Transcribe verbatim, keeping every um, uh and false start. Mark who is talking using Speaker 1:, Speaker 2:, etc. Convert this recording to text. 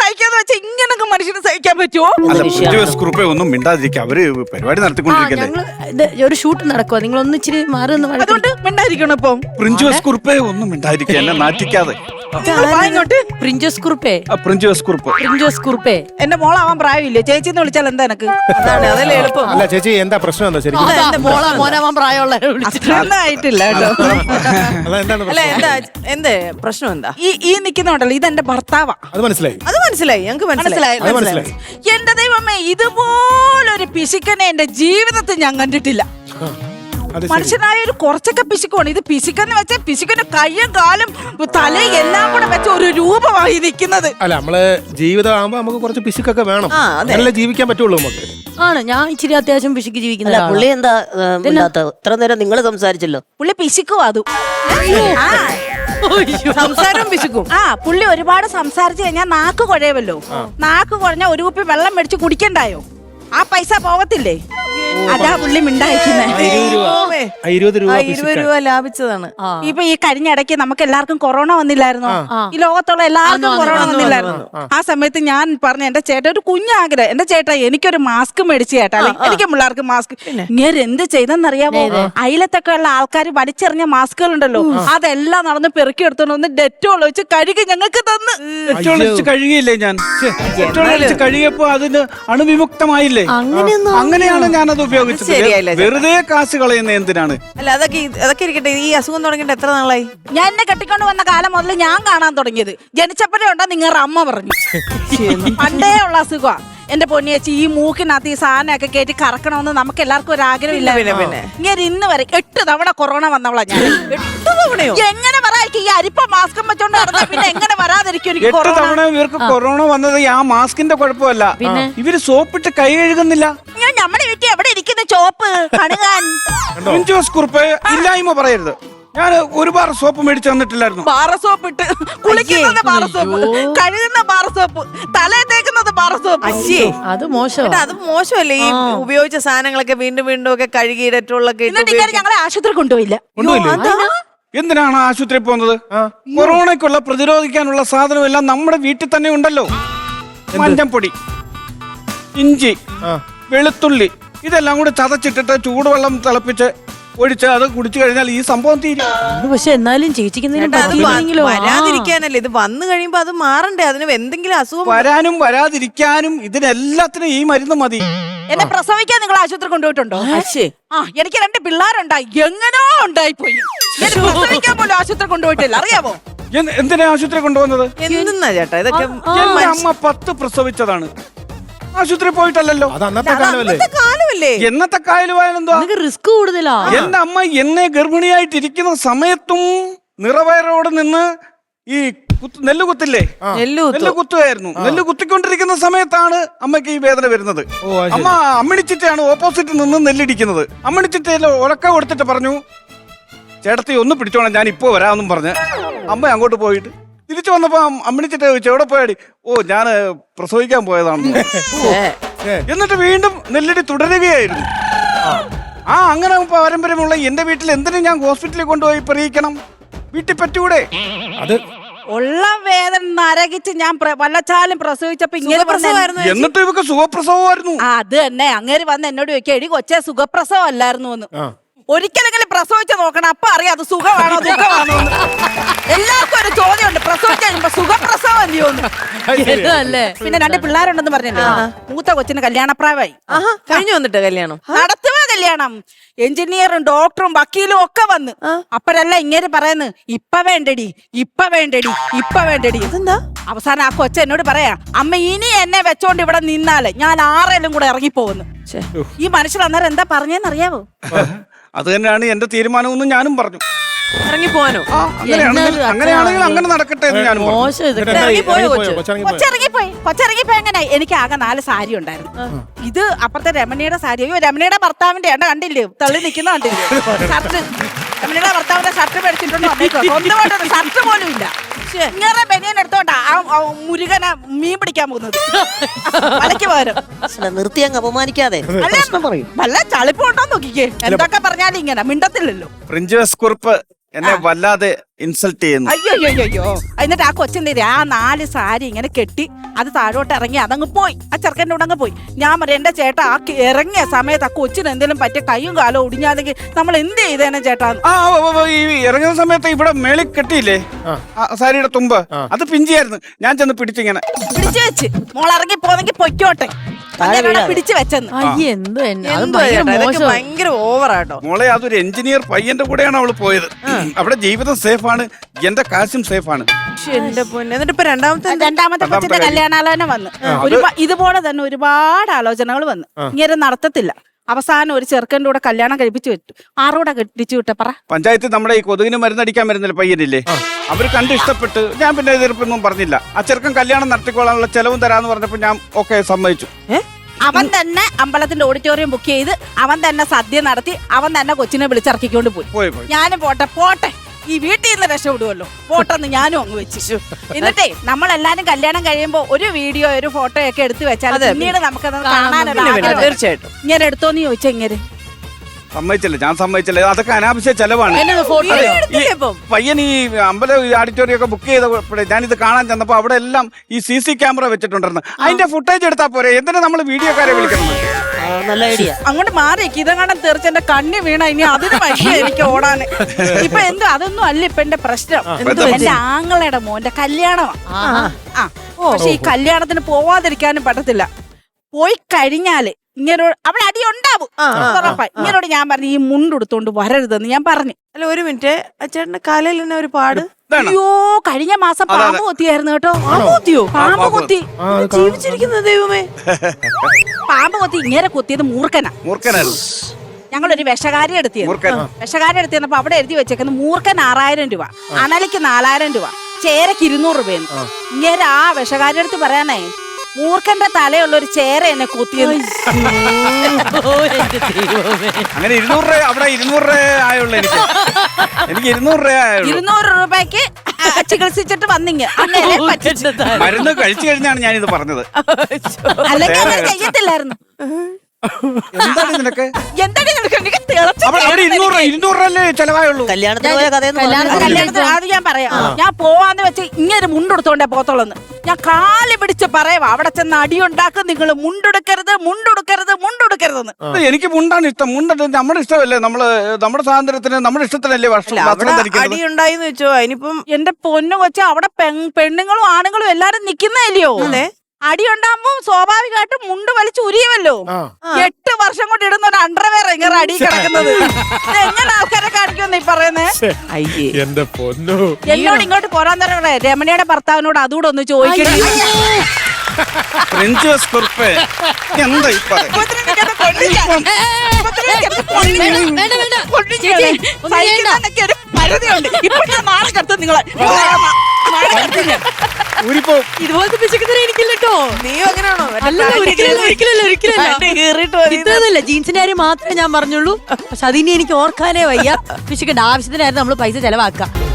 Speaker 1: സഹിക്കാന്ന് വെച്ചാൽ ഇങ്ങനൊക്കെ മനുഷ്യന് സഹിക്കാൻ പറ്റുമോ?
Speaker 2: കുറിപ്പെ ഒന്നും മിണ്ടാതിരിക്കുക, അവര് പരിപാടി നടത്തിക്കൊണ്ടിരിക്കല്ലേ.
Speaker 3: ഞങ്ങള് ഇത് ഒരു ഷൂട്ട് നടക്കുവാ, നിങ്ങൾ ഒന്ന് ഇച്ചിരി മാറി ഒന്ന് വഴക്ക്
Speaker 1: അതുകൊണ്ട് മിണ്ടായിരിക്കണം ഇപ്പം.
Speaker 2: പ്രിൻജോസ് കുറിപ്പെ ഒന്നും മിണ്ടാതിരിക്കുക, എന്നെ നാറ്റിക്കാതെ.
Speaker 1: ഇങ്ങോട്ട്
Speaker 3: പ്രിൻജോസ് കുറുപ്പേ,
Speaker 2: പ്രിൻജോസ് കുറിപ്പ്.
Speaker 3: പ്രിൻജോസ് കുറുപ്പേ.
Speaker 1: എന്റെ മോളാവാൻ പ്രായമില്ലേ? ചേച്ചിന്ന് വിളിച്ചാൽ എന്താ എനക്ക്?
Speaker 4: അതാണ് അതല്ലേ എളുപ്പം.
Speaker 5: അല്ല ചേച്ചി, എന്താ പ്രശ്നം എന്താ ശരിക്കും?
Speaker 3: എന്റെ മോളാ മോനാവാൻ പ്രായമുള്ള
Speaker 1: അത്രയൊന്നും ആയിട്ടില്ല കേട്ടോ.
Speaker 5: അതെന്താണ്
Speaker 4: അല്ല
Speaker 5: പ്രശ്നം?
Speaker 4: എന്താ എന്തേ പ്രശ്നം എന്താ?
Speaker 1: ഈ ഈ നിക്കുന്നുണ്ടല്ലോ, ഇതെന്റെ ഭർത്താവാ.
Speaker 5: അത് മനസ്സിലായി,
Speaker 4: അത് മനസ്സിലായി, ഞങ്ങക്ക് മനസ്സിലായി.
Speaker 5: അത് മനസ്സിലായി.
Speaker 1: എന്റെ ദൈവമേ, ഇതുപോലൊരു പിശുക്കനെ എന്റെ ജീവിതത്തിൽ ഞാൻ കണ്ടിട്ടില്ല.
Speaker 5: അത് ശരി.
Speaker 1: മനുഷ്യനായ ഒരു കുറച്ചൊക്കെ പിശുക്കാണ് ഇത്. പിശുക്കെന്ന് വെച്ചാൽ പിശുക്കന്റെ കയ്യും കാലും തലയും എല്ലാം കൂടെ വെച്ച ഒരു രൂപമായി നിൽക്കുന്നത്.
Speaker 5: അല്ല, നമ്മള് ജീവിതം ആകുമ്പോ നമുക്ക് കുറച്ച് പിശുക്കൊക്കെ വേണം,
Speaker 4: ആ, അതെ.
Speaker 5: നല്ല ജീവിക്കാൻ പറ്റുള്ളൂ നമുക്ക്.
Speaker 3: ആണ്. ഞാൻ ഇച്ചിരി അത്യാവശ്യം പിശുക്ക് ജീവിക്കുന്ന
Speaker 6: അല്ല
Speaker 3: ഒരാളാ.
Speaker 6: പുള്ളി എന്താ ഇല്ലാത്ത ഇത്ര നേരം നിങ്ങൾ സംസാരിച്ചല്ലോ.
Speaker 1: പുള്ളി പിശുക്കും അതും. ആ,
Speaker 4: സംസാരം പിശുക്കും.
Speaker 1: ആ പുള്ളി ഒരുപാട് സംസാരിച്ചു കഴിഞ്ഞാൽ നാക്ക് കുഴയുമല്ലോ. നാക്ക് കുഴഞ്ഞാൽ ഒരു കുപ്പി വെള്ളം മേടിച്ച് കുടിക്കണ്ടായോ? ആ പൈസ പോകത്തില്ലേ? അതാ പുള്ളി മിണ്ടായിരിക്കുന്നേ.
Speaker 5: ആ, ഇരുപത് രൂപ
Speaker 4: ആ, ഇരുപത്
Speaker 5: പിശുക്കാൻ.
Speaker 4: രൂപ ലാഭിച്ചതാണ്.
Speaker 1: ഇപ്പൊ ഈ കഴിഞ്ഞ ഇടയ്ക്ക് നമുക്ക് എല്ലാവർക്കും കൊറോണ വന്നില്ലായിരുന്നോ? ഈ ലോകത്തുള്ള എല്ലാവർക്കും കൊറോണ വന്നില്ലായിരുന്നു. ആ സമയത്ത് ഞാൻ പറഞ്ഞ എന്റെ ചേട്ടൻ ഒരു കുഞ്ഞാഗ്രഹം, എന്റെ ചേട്ടാ എനിക്കൊരു മാസ്ക് മേടിച്ചു ചേട്ടാ, എനിക്ക് പിള്ളേർക്ക് മാസ്ക്. ഇങ്ങനെ എന്ത് ചെയ്തെന്നറിയാമോ? അയലത്തൊക്കെ ഉള്ള ആൾക്കാർ വലിച്ചെറിഞ്ഞ മാസ്കുകൾ ഉണ്ടല്ലോ, അതെല്ലാം നടന്ന് പെറുക്കി എടുത്തോണ്ട് വന്ന് ഡെറ്റോൾ വെച്ച് കഴുകി ഞങ്ങൾക്ക് തന്ന്.
Speaker 2: ഡെറ്റോളൊഴിച്ച് കഴുകിയില്ലേ ഞാൻ? ഡെറ്റോളൊഴിച്ച് കഴുകിയപ്പോ അതിന് അണുവിമുക്തമായില്ലേ? അങ്ങനെയാണ് ഞാനത് ഉപയോഗിച്ചത്.
Speaker 4: ശരിയായില്ല ചേട്ടാ.
Speaker 2: വെറുതെ കാശ് കളയുന്ന എന്തിനാണ്?
Speaker 4: അല്ല അതൊക്കെ അതൊക്കെ ഇരിക്കട്ടെ. ഈ അസുഖം തുടങ്ങിയിട്ട് എത്ര നാളായി?
Speaker 1: ഞാൻ എന്നെ കെട്ടിക്കൊണ്ട് വന്ന കാലം മുതൽ ഞാൻ കാണാൻ തുടങ്ങിയത്. ജനിച്ചപ്പോഴേ ഉണ്ടോ നിങ്ങളുടെ അമ്മ പറഞ്ഞു. പണ്ടേ ഉള്ള അസുഖ എന്റെ പൊന്നിയേച്ചി. ഈ മൂക്കിനകത്ത് ഈ സാധനമൊക്കെ കയറ്റി കറക്കണമെന്ന് നമുക്ക് എല്ലാവർക്കും ഒരു ആഗ്രഹമില്ല. ഇങ്ങനെ ഇന്ന് വരെ എട്ട് തവണ കൊറോണ വന്നവളാ ഞാൻ.
Speaker 4: എട്ട് തവണയോ?
Speaker 1: എങ്ങനെ പറയാ ഈ അരിപ്പ മാസ്കും വെച്ചോണ്ട് നടന്നാ പിന്നെ എങ്ങനെ വരാതിരിക്കും എനിക്ക്
Speaker 2: എട്ട്
Speaker 1: കൊറോണ?
Speaker 2: തവണ ഇവർക്ക് കൊറോണ വന്നത് ആ മാസ്കിന്റെ കുഴപ്പമല്ല, ഇവര് സോപ്പിട്ട് കൈ കഴുകുന്നില്ല.
Speaker 1: ഞാൻ നമ്മുടെ വീട്ടിൽ എവിടെ ഇരിക്കുന്ന ചോപ്പ് കണുകാൻ?
Speaker 2: പ്രിൻജോസ് കുറിപ്പ് ഇല്ലായ്മ പറയരുത്. ഞാൻ ഒരുപാട് സോപ്പ് മേടിച്ചു തന്നിട്ടില്ലായിരുന്നു.
Speaker 1: ബാറ സോപ്പ് ഇട്ട് കുളിക്കുന്നത് ബാറ സോപ്പ്, കഴുകുന്ന ബാറ സോപ്പ്, തലേ തേക്കുന്നത് ബാറ സോപ്പ്.
Speaker 4: അയ്യേ,
Speaker 3: അത് മോശം.
Speaker 4: ചേട്ടാ, അത് മോശമല്ലേ? ഈ ഉപയോഗിച്ച സാധനങ്ങളൊക്കെ വീണ്ടും വീണ്ടും ഒക്കെ കഴുകി ഡെറ്റോളൊക്കെ ഇട്ട്
Speaker 1: എന്നിട്ട് ഇങ്ങനെ ഞങ്ങളെ ആശുപത്രി കൊണ്ടുപോയില്ല.
Speaker 2: എന്തിനാണ് ആശുപത്രി പോകുന്നത്? കൊറോണയ്ക്കുള്ള പ്രതിരോധിക്കാനുള്ള സാധനം എല്ലാം നമ്മുടെ വീട്ടിൽ തന്നെ ഉണ്ടല്ലോ. മഞ്ഞപ്പൊടി, ഇഞ്ചി, വെളുത്തുള്ളി, ഇതെല്ലാം കൂടെ ചതച്ചിട്ടിട്ട് ചൂടുവെള്ളം തിളപ്പിച്ച് ഒഴിച്ച് അത് കുടിച്ചു കഴിഞ്ഞാൽ ഈ സംഭവം തീരും.
Speaker 3: പക്ഷെ എന്നാലും ചേച്ചിക്കെന്തെങ്കിലും
Speaker 4: ചേട്ടാ, അത് വ-
Speaker 3: പറ്റിയില്ലെങ്കിലോ?
Speaker 4: വരാതിരിക്കാനല്ലേ ഇത് വന്നു കഴിയുമ്പോ അത് മാറണ്ടേ? അതിന് എന്തെങ്കിലും അസുഖം
Speaker 2: വരാനും വരാതിരിക്കാനും ഇതിനെല്ലാത്തിനും ഈ മരുന്ന് മതി.
Speaker 1: എന്നെ പ്രസവിക്കാൻ നിങ്ങൾ ആശുപത്രി കൊണ്ടുപോയിട്ടുണ്ടോ?
Speaker 4: അശ്ശേ.
Speaker 1: ആ എനിക്ക് രണ്ട് പിള്ളേരുണ്ടായി, എങ്ങനോ ഉണ്ടായി പോയി. എന്നെ പ്രസവിക്കാൻ പോലും ആശുപത്രി കൊണ്ടുപോയിട്ടില്ല, അറിയാമോ?
Speaker 2: എന്ത്- എന്തിനാ ആശുപത്രി കൊണ്ടുപോകുന്നത്?
Speaker 4: എന്തെന്നാ ചേട്ടാ ഇതൊക്കെ?
Speaker 2: എന്റെ അമ്മ പത്ത് പ്രസവിച്ചതാണ്, ആശുപത്രി പോയിട്ടല്ലോ.
Speaker 5: അത് അന്നത്തെ കാലമല്ലേ?
Speaker 4: അന്നത്തെ കാലമല്ലേ?
Speaker 2: എന്നത്തെ കായലുവായാലെന്തുവാ?
Speaker 3: റിസ്ക് കൂടുതലാ.
Speaker 2: എന്റെ അമ്മ എന്നെ ഗർഭിണിയായിട്ടിരിക്കുന്ന സമയത്തും നിറവയറോട് നിന്ന് ഈ കുത്ത് നെല്ല് കുത്തില്ലേ,
Speaker 4: നെല്ല് കുത്തും.
Speaker 2: നെല്ല് കുത്തുമായിരുന്നു. നെല്ല് കുത്തിക്കൊണ്ടിരിക്കുന്ന സമയത്താണ് അമ്മയ്ക്ക് ഈ വേദന വരുന്നത്.
Speaker 5: ഓ, അത് ശരി.
Speaker 2: അമ്മ അമ്മിണിച്ചിട്ടയാണ് ഓപ്പോസിറ്റ് നിന്ന് നെല്ലിടിക്കുന്നത്. അമ്മിണിച്ചിട്ടയിൽ ഉറക്ക കൊടുത്തിട്ട് പറഞ്ഞു, ചേട്ടത്തി ഒന്ന് പിടിച്ചോളാം, ഞാൻ ഇപ്പോ വരാമെന്നും പറഞ്ഞ് അമ്മ അങ്ങോട്ട് പോയിട്ട് തിരിച്ചു വന്നപ്പോ അമ്മിണിച്ചിട്ട് ചോദിച്ചു, എവിടെ പോയാടി? ഓ ഞാൻ പ്രസവിക്കാൻ പോയതാണ്. എന്നിട്ട് വീണ്ടും നെല്ലിടി തുടരുകയായിരുന്നു. ആ അങ്ങനെ പാരമ്പര്യമുള്ള എന്റെ വീട്ടിൽ എന്തിനും ഞാൻ ഹോസ്പിറ്റലിൽ കൊണ്ടുപോയി പറയിക്കണം? വീട്ടിൽ പറ്റൂടെ?
Speaker 5: അത്
Speaker 1: ഉള്ള വേദന നരകിച്ച് ഞാൻ പ്ര- വല്ലച്ചാലും പ്രസവിച്ചപ്പോ ഇങ്ങനെ
Speaker 4: സുഖപ്രസവമായിരുന്നു.
Speaker 2: എന്നിട്ട് ഇവക്ക് സുഖപ്രസവമായിരുന്നു.
Speaker 1: ആ, അത് തന്നെ. അങ്ങേര് വന്ന് എന്നോട് ചോദിക്കുക, എടി കൊച്ചേ സുഖപ്രസവം അല്ലായിരുന്നു എന്ന്. ഒരിക്കലെങ്കിലും പ്രസവിച്ച് നോക്കണം, അപ്പൊ അറിയാം അത് സുഖമാണോ ദുഃഖമാണോ എന്ന്. എല്ലാവർക്കും ഒരു ചോദ്യമുണ്ട്, പ്രസവിച്ച് കഴിയുമ്പോ സുഖപ്രസവം അല്ലയോന്ന്.
Speaker 3: അല്ലേ?
Speaker 1: പിന്നെ രണ്ട് പിള്ളേരുണ്ടെന്ന് പറഞ്ഞല്ലോ. മൂത്ത കൊച്ചിന് കല്യാണപ്രായമായി.
Speaker 4: ആഹാ, കഴിഞ്ഞു വന്നിട്ട് കല്യാണം.
Speaker 1: നടത്തുക കല്യാണം. എഞ്ചിനീയറും ഡോക്ടറും വക്കീലും ഒക്കെ വന്ന് അപ്പഴല്ല ഇങ്ങനെ പറയുന്നു, ഇപ്പ വേണ്ടടി ഇപ്പ വേണ്ടടി ഇപ്പ വേണ്ടടി.
Speaker 4: എന്താ
Speaker 1: അവസാനം ആ കൊച്ച എന്നോട് പറയാ, അമ്മ ഇനി എന്നെ വെച്ചോണ്ട് ഇവിടെ നിന്നാല് ഞാൻ ആറേലും കൂടെ ഇറങ്ങിപ്പോകുന്നു. ഈ മനുഷ്യൻ അന്നേരം എന്താ പറഞ്ഞെന്നറിയാവോ?
Speaker 2: അത് തന്നെയാണ് എന്റെ തീരുമാനമെന്ന് ഞാനും പറഞ്ഞു.
Speaker 4: ഇറങ്ങി പോവാനോ?
Speaker 2: ആ, അങ്ങനെയാണെങ്കിൽ അങ്ങനെയാണെങ്കിൽ അങ്ങനെ നടക്കട്ടെ എന്ന് ഞാനും പറഞ്ഞു.
Speaker 3: മോശം ഇതൊക്കെ.
Speaker 4: ഇറങ്ങി പോയോ കൊച്ച്?
Speaker 5: കൊച്ചിറങ്ങി പോയോ?
Speaker 1: കൊച്ചിറങ്ങിപ്പോയി. കൊച്ചിറങ്ങിപ്പോയി. എങ്ങനെ? എനിക്ക് ആകെ നാല് സാരി ഉണ്ടായിരുന്നു. ഇത് അപ്പുറത്തെ രമണിയുടെ സാരി. അയ്യോ, രമണിയുടെ ഭർത്താവിന്റെ എണ്ണ കണ്ടില്ലേ, തള്ളി നിൽക്കുന്ന കണ്ടില്ലേ? ഷർട്ട് രമണിയുടെ ഭർത്താവിന്റെ ഷർട്ട് മേടിച്ചിട്ടുണ്ടോ? സ്വന്തമായിട്ടൊരു ഷർട്ട് പോലും ഇല്ല. ഇങ്ങനെ ബനിയൻ എടുത്തോണ്ടാ ആ ആ മുരുകനെ മീൻ പിടിക്കാൻ പോകുന്നത് മലയ്ക്ക് പകരം.
Speaker 6: നിർത്തി അങ്ങ് അപമാനിക്കാതെ
Speaker 1: അല്ല, വല്ല ചളിപ്പുണ്ടോ നോക്കിക്കേ. എന്തൊക്കെ പറഞ്ഞാലും ഇങ്ങനെ മിണ്ടത്തില്ലല്ലോ.
Speaker 2: പ്രിൻജോസ് കുറിപ്പ് എന്നെ വല്ലാതെ ഇൻസൾട്ട് ചെയ്യുന്നു.
Speaker 1: അയ്യോ അയ്യോ അയ്യോ എന്നിട്ട് ആ കൊച്ചിന്റെ ആ നാല് സാരി ഇങ്ങനെ കെട്ടി അത് താഴോട്ട് ഇറങ്ങി അതങ്ങ് പോയി. ആ ചെറുക്കൻ്റെ കൂടെ അങ്ങ് പോയി. ഞാൻ പറയാം എന്റെ ചേട്ടാ ആ ക- ഇറങ്ങിയ സമയത്ത് ആ കൊച്ചിന് എന്തെങ്കിലും പറ്റിയ കൈയും കാലോ ഒടിഞ്ഞാണെങ്കിൽ നമ്മൾ എന്ത് ചെയ്തേനെ ചേട്ടാ?
Speaker 2: ആ ഓ, ഓ, ഓ, ഈ ഇറങ്ങുന്ന സമയത്ത് ഇവിടെ മേളിൽ കെട്ടിയില്ലേ ആ സാരിയുടെ തുമ്പ്, അത് പിഞ്ചിയായിരുന്നു. ഞാൻ ചെന്ന് പിടിച്ചിങ്ങനെ
Speaker 1: പിടിച്ചു വെച്ച് മോൾ ഇറങ്ങി പോന്നെങ്കിൽ പൊയ്ക്കോട്ടെ അങ്ങനെയാണ് പിടിച്ചു വെച്ചെന്ന്.
Speaker 3: അയ്യേ എന്തോ എന്നെ അത്
Speaker 4: എന്തോ
Speaker 3: ഭയങ്കര
Speaker 4: ചേട്ടാ, ഇതൊക്കെ
Speaker 3: മോശം.
Speaker 4: ഭയങ്കര ഓവറാട്ടോ.
Speaker 2: മോളെ അതൊരു എഞ്ചിനീയർ പയ്യന്റെ കൂടെയാണ് അവള് പോയത്. അവിടെ ജീവിതം സേഫാണ്, എന്റെ കാശും സേഫാണ്.
Speaker 4: എന്റെ പൊന്നെ. എന്നിട്ട് ഇപ്പൊ രണ്ടാമത്തെ എന്താ?
Speaker 1: രണ്ടാമത്തെ കൊച്ചിന്റെ കല്യാണാലോചന വന്ന് ഒരുപാ ഇതുപോലെ തന്നെ ഒരുപാട് ആലോചനകൾ വന്ന് ഇങ്ങനെ നടത്തത്തില്ല. അവസാനം ഒരു ചെറുക്കൻ്റെ കൂടെ കല്യാണം കഴിപ്പിച്ചു വിട്ടു. ആറൂടെ കെട്ടിച്ചു വിട്ടെ പറ.
Speaker 2: പഞ്ചായത്ത് നമ്മുടെ ഈ കൊതുകിന് മരുന്നടിക്കാൻ വരുന്നില്ല പയ്യനില്ലേ, അവര് കണ്ട് ഇഷ്ടപ്പെട്ട് ഞാൻ പിന്നെ എതിർപ്പൊന്നും പറഞ്ഞില്ല. ആ ചെറുക്കൻ കല്യാണം നടത്തിക്കോളാനുള്ള ചെലവും തരാന്ന് പറഞ്ഞപ്പോ ഞാൻ ഓക്കെ സമ്മതിച്ചു.
Speaker 1: അവൻ തന്നെ അമ്പലത്തിന്റെ ഓഡിറ്റോറിയം ബുക്ക് ചെയ്ത് അവൻ തന്നെ സദ്യ നടത്തി അവൻ തന്നെ കൊച്ചിനെ വിളിച്ചിറക്കിക്കൊണ്ട് പോയി.
Speaker 2: പോയി പോയി
Speaker 1: ഞാനും പോട്ടെ പോട്ടെ ഈ വീട്ടിൽ നിന്ന് രക്ഷപ്പെടുമല്ലോ പോട്ടെന്ന് ഞാനും അങ്ങ് വെച്ചു. എന്നിട്ടേ നമ്മളെല്ലാരും കല്യാണം കഴിയുമ്പോ ഒരു വീഡിയോ ഒരു ഫോട്ടോ ഒക്കെ എടുത്തു വെച്ചാൽ പിന്നീട് നമുക്കത് കാണാനൊരു
Speaker 4: പിന്നെ, പിന്നെ,
Speaker 1: ആഗ്രഹം.
Speaker 4: തീർച്ചയായിട്ടും.
Speaker 1: ഇങ്ങനെ എടുത്തോന്ന് ചോദിച്ചാ ഇങ്ങനെ
Speaker 2: സമ്മതിച്ചില്ല, ഞാൻ സമ്മതിച്ചില്ല. അതൊക്കെ അനാവശ്യ ചെലവാണ്.
Speaker 3: എന്നെ ഫോട്ടോ
Speaker 4: വീഡിയോ എടുത്തില്ലേ ഇപ്പം?
Speaker 2: പയ്യൻ ഈ അമ്പലം ഓഡിറ്റോറിയം ഒക്കെ ബുക്ക് ചെയ്തപ്പോഴേ ഞാനിത് കാണാൻ ചെന്നപ്പോ അവിടെ എല്ലാം ഈ സി സി ക്യാമറ വെച്ചിട്ടുണ്ടായിരുന്നു. അതിന്റെ ഫുട്ടേജ് എടുത്താൽ പോരെ, എന്തിനാ നമ്മൾ വീഡിയോക്കാരെ വിളിക്കണം?
Speaker 6: ആ, നല്ല ഐഡിയ.
Speaker 1: അങ്ങോട്ട് മാറി ഇതങ്ങാണ്ട് തീർച്ച എന്റെ കണ്ണി വീണ ഇനി അതിന് വയ്യ എനിക്ക് ഓടാന്. ഇപ്പൊ എന്തോ അതൊന്നും അല്ല ഇപ്പൊ എന്റെ പ്രശ്നം. എന്റെ ആങ്ങളയുടെ മോന്റെ കല്യാണമാണ്. ആ പക്ഷെ ഈ കല്യാണത്തിന് പോവാതിരിക്കാനും പറ്റത്തില്ല. പോയി കഴിഞ്ഞാല് ഇങ്ങനോട് അവിടെ അടി ഉണ്ടാവും ഉറപ്പായി. ഇങ്ങനോട് ഞാൻ പറഞ്ഞു ഈ മുണ്ടെടുത്തോണ്ട് വരരുതെന്ന് ഞാൻ പറഞ്ഞു.
Speaker 4: അല്ല ഒരു മിനിറ്റ്, ആ ചേട്ടന്റെ കാലയിൽ തന്നെ ഒരു പാട്.
Speaker 2: ഇതാണ്.
Speaker 1: അയ്യോ കഴിഞ്ഞ മാസം പാമ്പ് കൊത്തിയായിരുന്നു കേട്ടോ.
Speaker 4: പാമ്പ് കൊത്തിയോ?
Speaker 1: പാമ്പ് കൊത്തി
Speaker 4: ജീവിച്ചിരിക്കുന്ന ദൈവമേ.
Speaker 1: പാമ്പ് കൊത്തി ഇങ്ങനെ കൊത്തിയത് മൂർഖനാ.
Speaker 2: മൂർഖനായിരുന്നു.
Speaker 1: ഞങ്ങളൊരു വിഷകാരി എടുത്തിയത്.
Speaker 2: മൂർഖൻ.
Speaker 1: വിഷകാരി എടുത്തിരുന്നപ്പോ അവിടെ എഴുതി വെച്ചേക്കുന്നത് മൂർഖൻ ആറായിരം രൂപ, അണലിക്ക് നാലായിരം രൂപ, ചേരക്ക് ഇരുന്നൂറ് രൂപയെന്ന്. ഇങ്ങനെ ആ വിഷകാരി എടുത്ത് പറയാനേ മൂർഖന്റെ തലയുള്ള ഒരു ചേര എന്നെ കൊത്തിയത്.
Speaker 2: അങ്ങനെ ഇരുന്നൂറ് രൂപ അവിടെ ഇരുന്നൂറ് രൂപ ആയുള്ളൂ എനിക്ക്. എനിക്ക് ഇരുന്നൂറ് രൂപ ആയുള്ളൂ.
Speaker 1: ഇരുന്നൂറ് രൂപയ്ക്ക് ആ, ചികിത്സിച്ചിട്ട് വന്നിങ്ങ അങ്ങനെ പറ്റിച്ചു.
Speaker 2: മരുന്ന് കഴിച്ചു കഴിഞ്ഞാണ് ഞാനിത് പറഞ്ഞത്.
Speaker 1: അല്ലെങ്കിൽ അങ്ങനെ ചെയ്യത്തില്ലായിരുന്നു.
Speaker 2: എന്താണ് നിനക്ക്?
Speaker 1: എന്താണ് നിനക്ക്? എനിക്ക് തിളച്ച
Speaker 2: അവിടെ അവിടെ ഇരുന്നൂറ് രൂപ ഇരുന്നൂറ് രൂപയല്ലേ ചെലവായുള്ളൂ.
Speaker 6: കല്യാണത്തിന് പോയ കഥയെന്ന്
Speaker 1: കല്യാണത്തിന്
Speaker 6: പറഞ്ഞാ
Speaker 1: കല്യാണത്തിന് അത് ഞാൻ പറയാം. ഞാൻ പോവാന്ന് വെച്ച് ഇങ്ങനെ മുണ്ടെടുത്തോണ്ടേ പോത്തോളന്ന് ഞാൻ കാല് പിടിച്ച് പറയുവാ. അവിടെ ചെന്ന് അടിയുണ്ടാക്കും നിങ്ങൾ. മുണ്ടെടുക്കരുത് മുണ്ടെടുക്കരുത് മുണ്ടെടുക്കരുതെന്ന്.
Speaker 2: ഇത് എനിക്ക് മുണ്ടാണ് ഇഷ്ടം. മുണ്ട നമ്മുടെ ഇഷ്ടമല്ലേ, നമ്മള് നമ്മുടെ സ്വാതന്ത്ര്യത്തിന് നമ്മുടെ ഇഷ്ടത്തിനല്ലേ വസ്ത്രം
Speaker 4: അവിടെ
Speaker 2: വസ്ത്രം ധരിക്കുന്നത്.
Speaker 4: അടി ഉണ്ടായിന്ന് വെച്ചോ, അതിനിപ്പം
Speaker 1: എന്റെ പൊന്നു കൊച്ച അവിടെ പെൺ- പെണ്ണുങ്ങളും ആണുങ്ങളും എല്ലാരും നിക്കുന്നതല്ലയോ. അടി ഉണ്ടാകുമ്പോ സ്വാഭാവികമായിട്ടും മുണ്ട് വലിച്ച് ഉരിയുമല്ലോ. എട്ട് വർഷം കൊണ്ട് ഇടുന്ന ഒരു അണ്ടർവെയർ ഇങ്ങനെ അടി കിടക്കുന്നത്. ഇത് എങ്ങനെ ആൾക്കാരെ കാണിക്കുമെന്ന് ഈ പറയുന്നേ?
Speaker 4: അയ്യേ.
Speaker 5: എന്റെ പൊന്നു.
Speaker 1: എന്നോട് ഇങ്ങോട്ട് പോരാൻ തരണേ. രമണിയുടെ ഭർത്താവിനോട് അതുകൂടെ ഒന്ന് ചോദിക്കട്ടെ.
Speaker 2: ഫ്രഞ്ച് കുറിപ്പ് എന്താ ഇപ്പൊ? ഊരിപ്പോ
Speaker 3: ഇതുപോലത്തെ പിശുക്കുന്നവരെ എനിക്കില്ലട്ടോ.
Speaker 4: നീയോ അങ്ങനെയാണോ?
Speaker 3: അല്ല ഒരിക്കലല്ല ഒരിക്കലല്ല ഒരിക്കലല്ല. ഇത്രയൊന്നുമില്ല, ജീൻസിന്റെ കാര്യം മാത്രമേ ഞാൻ പറഞ്ഞുള്ളൂ. പക്ഷെ അതിനി എനിക്ക് ഓർക്കാനേ വയ്യ. പിശുക്കണ്ട, ആവശ്യത്തിനായിരുന്നു നമ്മള് പൈസ ചെലവാക്കുക.